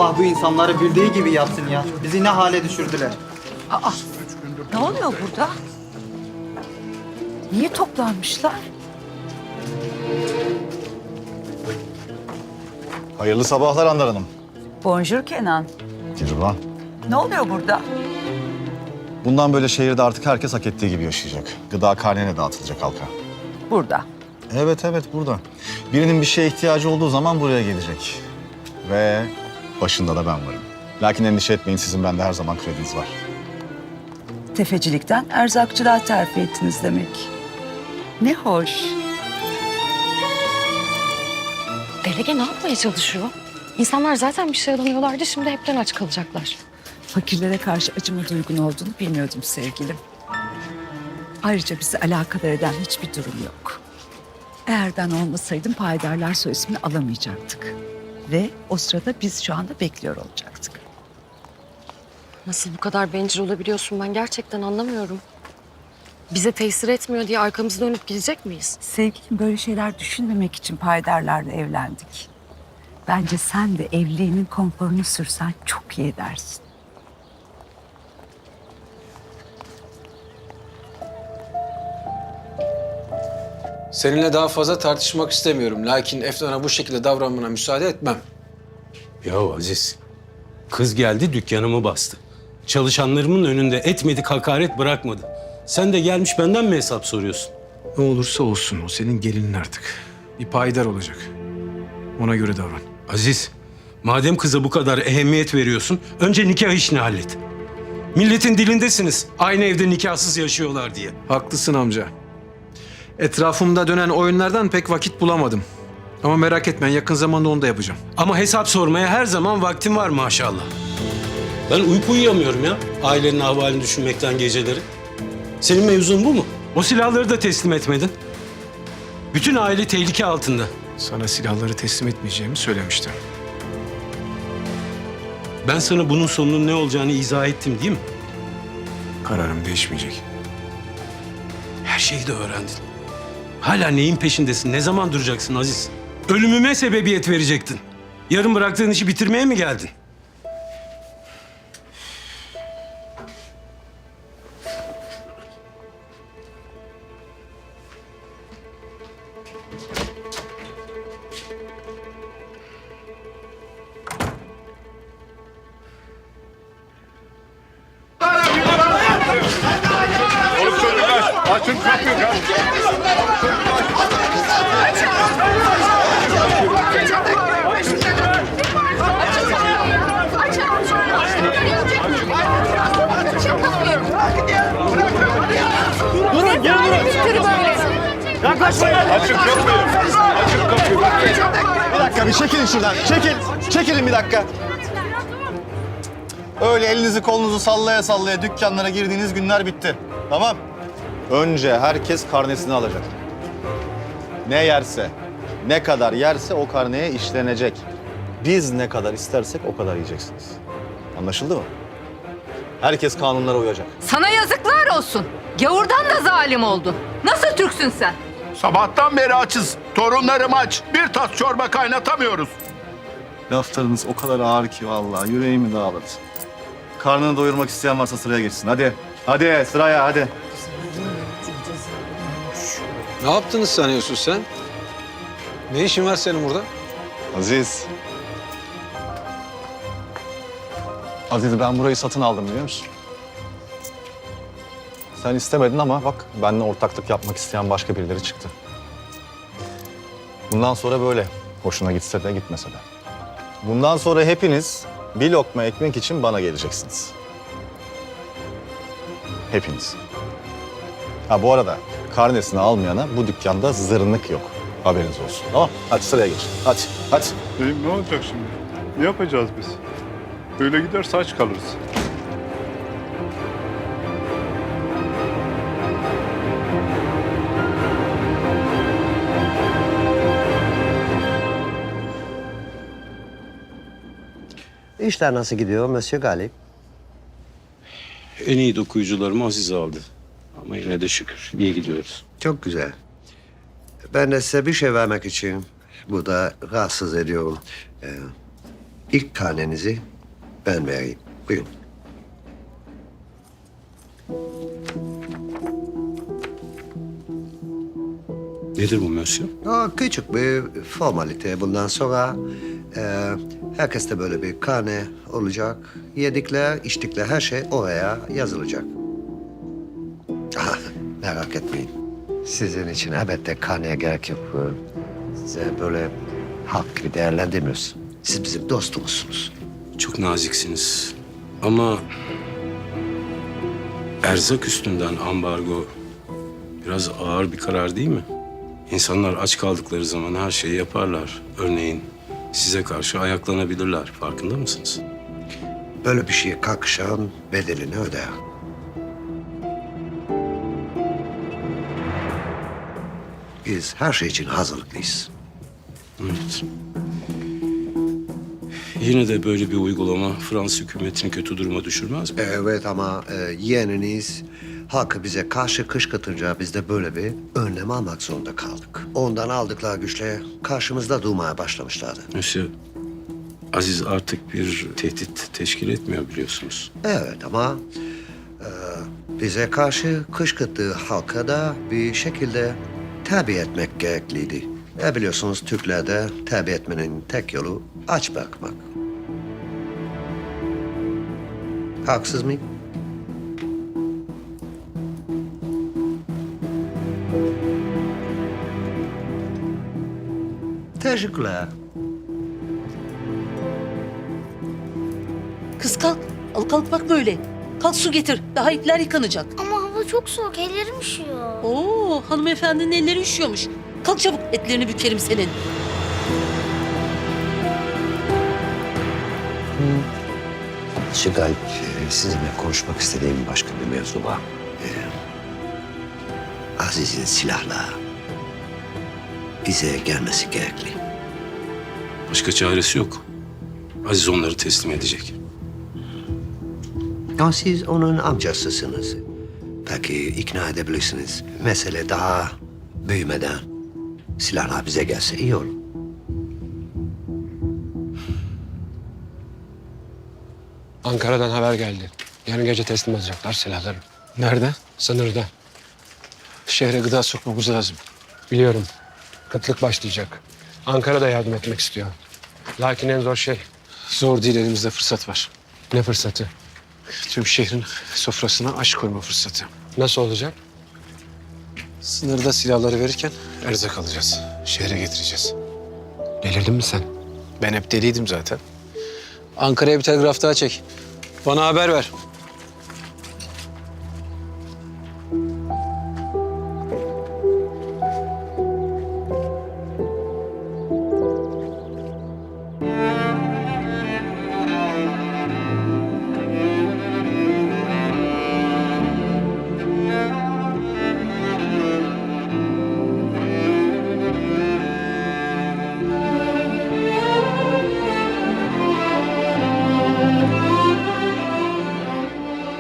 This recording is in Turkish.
Allah bu insanları bildiği gibi yapsın ya. Bizi ne hale düşürdüler. Aa, ne oluyor burada? Niye toplanmışlar? Hayırlı sabahlar Handan Hanım. Bonjour Kenan. Dilruba. Ne oluyor burada? Bundan böyle şehirde artık herkes hak ettiği gibi yaşayacak. Gıda karnene dağıtılacak halka. Burada. Evet burada. Birinin bir şeye ihtiyacı olduğu zaman buraya gelecek. Ve başında da ben varım. Lakin endişe etmeyin, sizin bende her zaman krediniz var. Tefecilikten erzakçılığa terfi ettiniz demek. Ne hoş. Delege ne yapmaya çalışıyor? İnsanlar zaten bir şey alamıyorlardı, şimdi hepten aç kalacaklar. Fakirlere karşı acıma duygun olduğunu bilmiyordum sevgilim. Ayrıca bizi alakadar eden hiçbir durum yok. Eğer ben olmasaydım payidarlar soy ismini alamayacaktık. Ve o sırada biz şu anda bekliyor olacaktık. Nasıl bu kadar bencil olabiliyorsun, ben gerçekten anlamıyorum. Bize tesir etmiyor diye arkamızı dönüp gidecek miyiz? Sevgilim, böyle şeyler düşünmemek için payidarlarla evlendik. Bence sen de evliliğinin konforunu sürsen çok iyi edersin. Seninle daha fazla tartışmak istemiyorum. Lakin Efnan'a bu şekilde davranmana müsaade etmem. Ya Aziz, kız geldi dükkanımı bastı. Çalışanlarımın önünde etmedik hakaret bırakmadı. Sen de gelmiş benden mi hesap soruyorsun? Ne olursa olsun o senin gelinin artık. Bir payidar olacak. Ona göre davran. Aziz, madem kıza bu kadar ehemmiyet veriyorsun, önce nikah işini hallet. Milletin dilindesiniz, aynı evde nikahsız yaşıyorlar diye. Haklısın amca. Etrafımda dönen oyunlardan pek vakit bulamadım. Ama merak etme, yakın zamanda onu da yapacağım. Ama hesap sormaya her zaman vaktim var maşallah. Ben uyku uyuyamıyorum ya, ailenin ahvalini düşünmekten geceleri. Senin mevzun bu mu? O silahları da teslim etmedin. Bütün aile tehlike altında. Sana silahları teslim etmeyeceğimi söylemiştim. Ben sana bunun sonunun ne olacağını izah ettim değil mi? Kararım değişmeyecek. Her şeyi de öğrendin. Hala neyin peşindesin? Ne zaman duracaksın Aziz? Ölümüme sebebiyet verecektin. Yarın bıraktığın işi bitirmeye mi geldin? Açın kapıyı. Durun, geri durun. Yaklaşmayın. Açın kapıyı. Açın kapıyı. Bir dakika, bir çekilin şuradan. Çekilin bir dakika. Öyle elinizi kolunuzu sallaya sallaya dükkanlara girdiğiniz günler bitti. Tamam. Önce herkes karnesini alacak. Ne yerse, ne kadar yerse o karneye işlenecek. Biz ne kadar istersek o kadar yiyeceksiniz. Anlaşıldı mı? Herkes kanunlara uyacak. Sana yazıklar olsun. Gavurdan da zalim oldun. Nasıl Türksün sen? Sabahtan beri açız. Torunlarım aç. Bir tas çorba kaynatamıyoruz. Laflarınız o kadar ağır ki vallahi yüreğimi dağladı. Karnını doyurmak isteyen varsa sıraya geçsin. Hadi. Hadi sıraya hadi. Ne yaptığını sanıyorsun sen? Ne işin var senin burada? Aziz. Aziz, ben burayı satın aldım biliyor musun? Sen istemedin ama bak benimle ortaklık yapmak isteyen başka birileri çıktı. Bundan sonra böyle. Hoşuna gitse de gitmese de. Bundan sonra hepiniz bir lokma ekmek için bana geleceksiniz. Hepiniz. Ha bu arada karnesini almayana bu dükkanda zırnık yok. Haberiniz olsun. Tamam. Hadi sıraya geç. Hadi. Ne olacak şimdi? Ne yapacağız biz? Böyle giderse aç kalırız. İşler nasıl gidiyor Monsieur Galip? En iyi dokuyucularımı Aziz aldı. Ama yine de şükür iyi gidiyoruz. Çok güzel. Ben de size bir şey vermek için burada rahatsız ediyorum. İlk karnenizi ben vereyim. Buyurun. Nedir bu Mösyö? Küçük bir formalite. Bundan sonra herkeste böyle bir karne olacak. Yedikler, içtikler her şey oraya yazılacak. Merak etmeyin. Sizin için elbette karneye gerek yok. Size böyle halk gibi değerlendirmiyoruz. Siz bizim dostumuzsunuz. Çok naziksiniz. Ama erzak üstünden ambargo biraz ağır bir karar değil mi? İnsanlar aç kaldıkları zaman her şeyi yaparlar. Örneğin size karşı ayaklanabilirler. Farkında mısınız? Böyle bir şeye kalkışan bedelini öder. Biz her şey için hazırlıklıyız. Evet. Yine de böyle bir uygulama Fransız hükümetini kötü duruma düşürmez mi? Evet ama yeğeniniz halkı bize karşı kışkırtınca biz de böyle bir önlem almak zorunda kaldık. Ondan aldıkları güçle karşımızda durmaya başlamışlardı. Monsieur, Aziz artık bir tehdit teşkil etmiyor biliyorsunuz. Evet ama bize karşı kışkırttığı halka da bir şekilde terbiye etmek gerekliydi. Biliyorsunuz Türklerde terbiye etmenin tek yolu aç bırakmak. Haksız mıyım? Teşekkürler. Kız kalk. Al kalk bak böyle. Kalk su getir. Daha ipler yıkanacak. Ama hava çok soğuk, ellerim üşüyor. Oo, hanımefendinin elleri üşüyormuş. Kalk çabuk, etlerini bükerim senin. Şu Galip, sizinle konuşmak istediğim başka bir mevzu var. Aziz'in silahla bize gelmesi gerekli. Başka çaresi yok. Aziz onları teslim edecek. Ama siz onun amcasısınız. Belki ikna edebilirsiniz. Mesele daha büyümeden silahlar bize gelse iyi olur. Ankara'dan haber geldi. Yarın gece teslim alacaklar silahları. Nerede? Sınırda. Şehre gıda sokmamız lazım. Biliyorum. Kıtlık başlayacak. Ankara da yardım etmek istiyor. Lakin en zor şey Zor değil, elimizde fırsat var. ne fırsatı? Tüm şehrin sofrasına aş koyma fırsatı. Nasıl olacak? Sınırda silahları verirken erzak alacağız. Şehre getireceğiz. Delirdin mi sen? Ben hep deliydim zaten. Ankara'ya bir telgraf daha çek. Bana haber ver.